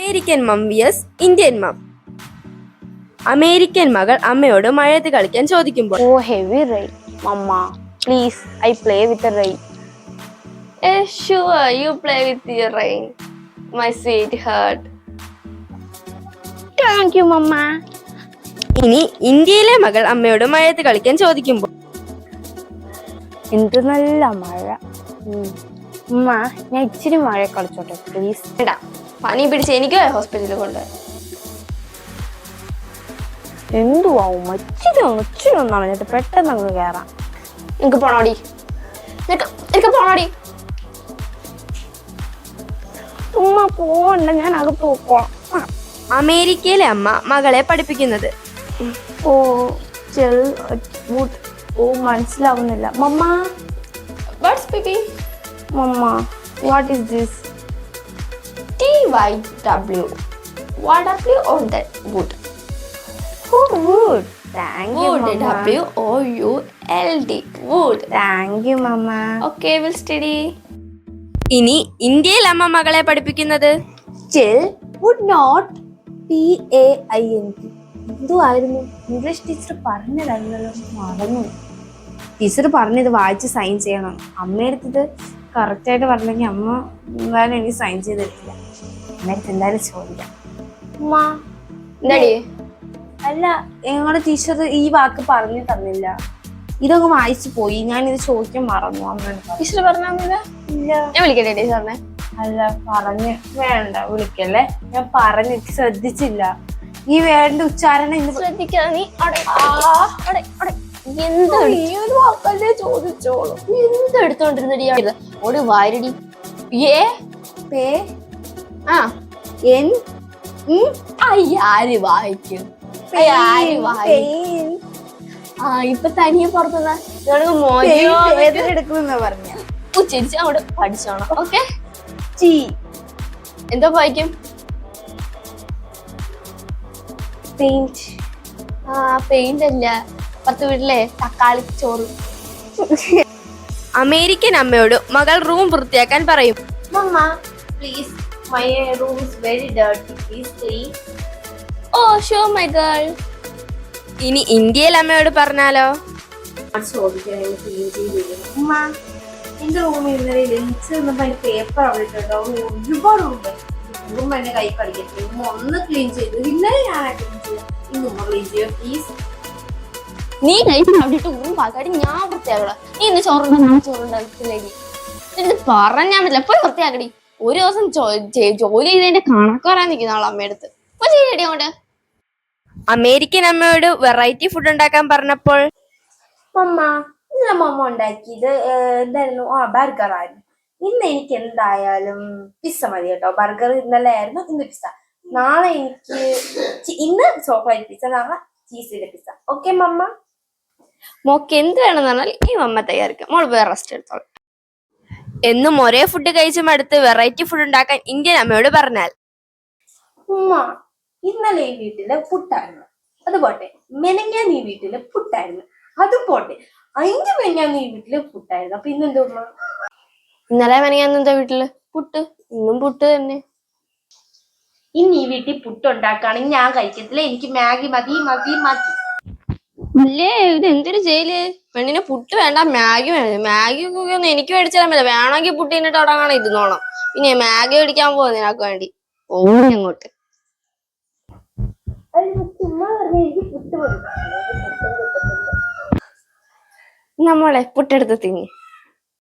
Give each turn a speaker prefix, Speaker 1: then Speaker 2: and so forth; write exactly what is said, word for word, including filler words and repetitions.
Speaker 1: American mom vs Indian mom. American മകൾ അമ്മയോട് മഴയത്ത് കളിക്കാൻ ചോദിക്കുമ്പോൾ,
Speaker 2: oh heavy rain mamma please I play with rain.
Speaker 3: Sure, you play with your rain, my sweetheart.
Speaker 2: Thank you mamma.
Speaker 1: ഇനി ഇന്ത്യയിലെ മകൾ അമ്മയോട് മഴയത്ത് കളിക്കാൻ ചോദിക്കുമ്പോൾ,
Speaker 2: എന്ത് നല്ല മഴ. ഉമ്മ ഞാൻ ഇച്ചിരി മഴ കളിച്ചോട്ടെ പ്ലീസ്.
Speaker 3: എടാ പനി പിടിച്ച് എനിക്ക് ഹോസ്പിറ്റലിൽ കൊണ്ടുപോയി.
Speaker 2: എന്തുവാ ഉമ്മ ഇച്ചിരി ഒന്ന് ഇച്ചിരി ഒന്നാണ് എന്നിട്ട് പെട്ടെന്ന് അങ്ങ് കയറാം.
Speaker 3: നിനക്ക് പോണോടി, എനിക്ക് പോണോടി.
Speaker 2: ഉമ്മ പോണ്ട, ഞാൻ അകത്ത് പോക്കോളാം.
Speaker 1: അമേരിക്കയിലെ അമ്മ മകളെ പഠിപ്പിക്കുന്നത്.
Speaker 2: ഓ ചെൽ ഓ മനസ്സിലാവുന്നില്ല mamma.
Speaker 3: What's baby?
Speaker 2: Mamma what is this?
Speaker 3: T Y W. What W or that? Wood.
Speaker 2: Oh wood. Thank you
Speaker 3: Wood.
Speaker 2: mama.
Speaker 3: W O U L D. Wood.
Speaker 2: Thank you mama.
Speaker 3: Okay, we'll study.
Speaker 1: ഇനി ഇന്ത്യയിൽ അമ്മ മകളെ പഠിപ്പിക്കുന്നത്.
Speaker 2: Chill would not P A I N T. എന്തുവായിരുന്നു English teacher പറഞ്ഞതല്ലോ, മറന്നു. Teacher പറഞ്ഞത് വായിച്ച് സൈൻ ചെയ്യണം. അമ്മയെടുത്തത് കറക്റ്റ് ആയിട്ട് പറഞ്ഞെങ്കിൽ അമ്മ എന്തായാലും എനിക്ക് സൈൻ ചെയ്ത് തരില്ല. അമ്മയെടുത്ത് എന്തായാലും ചോദിക്കാം. അമ്മ
Speaker 3: എന്താടി?
Speaker 2: അല്ല ഞങ്ങളുടെ ടീച്ചർ ഈ വാക്ക് പറഞ്ഞു തന്നില്ല, ഇതൊക്കെ വായിച്ചു പോയി. ഞാൻ ഇത് ചോദിക്കാൻ മറന്നു. അമ്മ
Speaker 3: ടീച്ചർ പറഞ്ഞില്ല?
Speaker 2: ഇല്ല.
Speaker 3: ഞാൻ വിളിക്കട്ടെ ടീച്ചറിനെ?
Speaker 2: അല്ല പറഞ്ഞ് വേണ്ട വിളിക്കല്ലേ, ഞാൻ പറഞ്ഞിട്ട് ശ്രദ്ധിച്ചില്ല. ഈ വേണ്ട ഉച്ചാരണം ഇന്ന്
Speaker 3: ശ്രദ്ധിക്കാതെ നീ എന്ത് ചോദിച്ചോളൂ. എന്ത് എടുത്തോണ്ടിരുന്നടി ഓട് വാരടി. ഏ
Speaker 2: പേ
Speaker 3: ആ
Speaker 2: എൻ
Speaker 3: ആര് വായിക്കും? ആ ഇപ്പൊ തനിയെ പുറത്തുനിന്ന്
Speaker 2: എടുക്കുന്ന പറഞ്ഞ
Speaker 3: ഉച്ചരിച്ച് അവിടെ പഠിച്ചോണം. ഓക്കെ
Speaker 2: ചീ
Speaker 3: എന്തോ വായിക്കും?
Speaker 2: പെയിന്റ്.
Speaker 3: ആ പെയിന്റ് അല്ല, പത്ത് വീട്ടിലെ തക്കാളി ചോറ്.
Speaker 1: അമേരിക്കൻ അമ്മയോട് മകൾ റൂം വൃത്തിയാക്കാൻ പറയും.
Speaker 2: Mamma please my room is very dirty, please clean.
Speaker 3: Oh sure my girl.
Speaker 1: ഇനി ഇന്ത്യയിൽ അമ്മയോട് പറഞ്ഞാലോ?
Speaker 2: ഉമ്മ എന്റെ റൂമിൽ ഇന്നലെ ലഞ്ച് വന്നപ്പോ അതിന്റെ പേപ്പർ അവിടെ ഇട്ടോ, ഒരുപാട് റൂം റൂം എന്നെ കൈ കടിക്കട്ടെ. ഉമ്മ ഒന്ന് ക്ലീൻ ചെയ്തു. ഇന്നലെ ഞാൻ ക്ലീൻ ചെയ്യാം, ഇന്ന് ഉമ്മ ക്ലീൻ ചെയ്യോ പ്ലീസ്.
Speaker 3: നീ കഴിച്ച് അവിടെയിട്ട് ഊറും പാക്കാടി ഞാൻ വൃത്തിയാക്കണം. നീ ഇന്ന് ചോറുണ്ടോ? ഞാൻ ചോറുണ്ടാക്കില്ലേടി. ഇത് പറഞ്ഞാൽ പറ്റില്ല, എപ്പോഴും വൃത്തിയാക്കടി. ഒരു ദിവസം ജോലി ചെയ്തതിന്റെ കണക്ക് പറയാൻ നിൽക്കുന്ന ആൾ അമ്മയടുത്ത് ചെയ്യടി അങ്ങോട്ട്.
Speaker 1: അമേരിക്കൻ അമ്മയോട് വെറൈറ്റി ഫുഡ് ഉണ്ടാക്കാൻ പറഞ്ഞപ്പോൾ,
Speaker 2: മമ്മ ഇന്നലെ മമ്മ ഉണ്ടാക്കിയത് എന്തായിരുന്നു? ആ ബർഗർ ആയിരുന്നു. ഇന്ന് എനിക്ക് എന്തായാലും പിസ്സ മതി കേട്ടോ. ബർഗർ ഇന്നലെ ആയിരുന്നു, ഇന്ന് പിസ്സ. നാളെ എനിക്ക് ഇന്ന് ചോക്ലേറ്റ് പിസ്സ, നാളെ ചീസിന്റെ പിസ്സ. Okay mamma?
Speaker 3: മോക്ക് എന്ത് വേണമെന്ന് പറഞ്ഞാൽ ഈ മമ്മ തയ്യാറിക്കാം. മോള് വേറെ റെസ്റ്റ് എടുത്തോളൂ.
Speaker 1: എന്നും ഒരേ ഫുഡ് കഴിച്ചും അടുത്ത് വെറൈറ്റി ഫുഡ് ഉണ്ടാക്കാൻ ഇന്ത്യൻ അമ്മയോട് പറഞ്ഞാൽ,
Speaker 2: ഉമ്മ ഇന്നലെ ഈ വീട്ടില് പുട്ടായിരുന്നു, അത് പോട്ടെ. മെനങ്ങാൻ ഈ വീട്ടില് പുട്ടായിരുന്നു, അത് പോട്ടെ. അതിന്റെ മെനങ്ങാൻ ഈ വീട്ടില് പുട്ടായിരുന്നു, അപ്പൊ ഇന്നെന്താ ഉമ്മ?
Speaker 3: ഇന്നലെ മെനങ്ങാൻ എന്താ വീട്ടില് പുട്ട്, ഇന്നും പുട്ട് തന്നെ.
Speaker 2: ഇന്ന് ഈ വീട്ടിൽ പുട്ടുണ്ടാക്കുകയാണെങ്കിൽ ഞാൻ കഴിക്കത്തില്ല. എനിക്ക് മാഗി മതി മതി മതി.
Speaker 3: അല്ലേ ഇത് എന്തൊരു ജയില്? പെണ്ണിന് പുട്ട് വേണ്ട, മാഗി വേണ്ട. മാഗി ഒന്നും എനിക്ക് മേടിച്ചു തരാൻ പറ്റില്ല. വേണമെങ്കിൽ പുട്ട് തിന്നിട്ട് തുടങ്ങണം ഇരുന്നോണം. പിന്നെ മാഗി മേടിക്കാൻ പോകും നിനക്ക് വേണ്ടി. ഓടി അങ്ങോട്ട്. നമ്മളെ പുട്ടെടുത്ത് തിന്നി.